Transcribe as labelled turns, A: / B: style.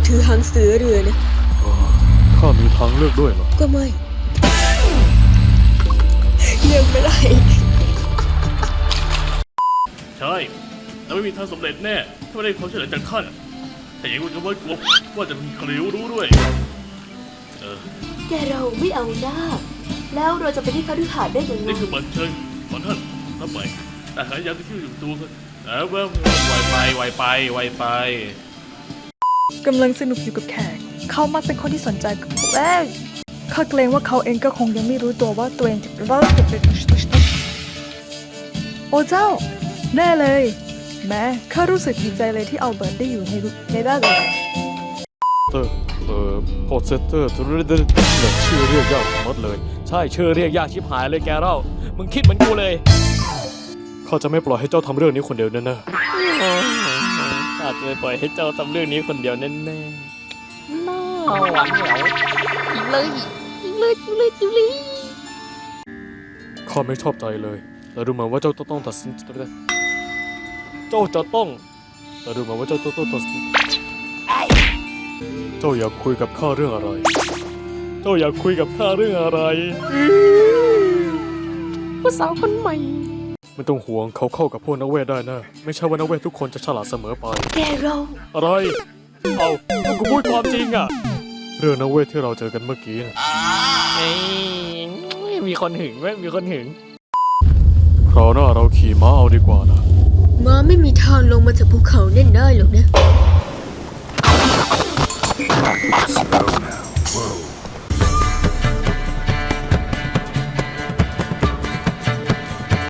A: ถือหางเสือเรือนะ
B: ข้ามีทางเลือกด้วยเหรอ
A: ก็ไม่เลือกไม่ได้
C: ใช่แต่ไม่มีทางสำเร็จแน่ถ้าไม่ได้ความช่วยเหลือจากท่านแต่ยังก็ไม่กลัวว่าจะมีใครรู้ด้วย
D: แต่เราไม่เอาหน้าแล้วเราจะไปที่คฤหาสน์ได้ยังไง
C: นี่คือบัตรเชิญของท่านรับไปแต่หายาที่ชื่ออยู่ตัวแล้วไวไป
E: กำลังสนุกอยู่กับแขกเขามักเป็นคนที่สนใจกับพวกข้าเกรงว่าเขาเองก็คงยังไม่รู้ตัวว่าตัวเองจะเริ่มเป็นโอ้เจ้าแน่เลยแม้ข้ารู้สึกดีใจเลยที่อัลเบิร์ตได้อยู่ในด้านเลย
B: พอเซตเตอร์ชื่อเรียกยากหมดเลยใช่ชื่อเรียกยากชิบหายเลยแกเล่ามึงคิดเหมือนกูเลยข้าจะไม่ปล่อยให้เจ้าทำเรื่องนี้คนเดียวแน่ๆข้าจะไม่ปล่อยให้เจ้าทำเรื่องนี้คนเดียวแน่ๆน่าหวานเหวยิงเลยข้าไม่ชอบใจเลยแต่ดูเหมือนว่าเจ้าต้องตัดสินใจเจ้าจะต้องแต่ดูเหมือนว่าเจ้าต้องตัดสินเจ้าอยากคุยกับข้าเรื่องอะไร
E: ผู้สาวคนใหม่
B: ไม่ต้องห่วงเขาเข้ากับพวกนักเวทได้นะไม่ใช่ว่านักเวททุกคนจะฉลาดเสมอไป
D: แกเรา
B: อะไรกูพูดความจริงอะเรื่องนักเวทที่เราเจอกันเมื่อกี้นะมีคนหึงไหมคราวหน้าเราขี่ม้าเอาดีกว่านะ
A: ม้าไม่มีทางลงมาจากภูเขาเน่นได้หรอกนะ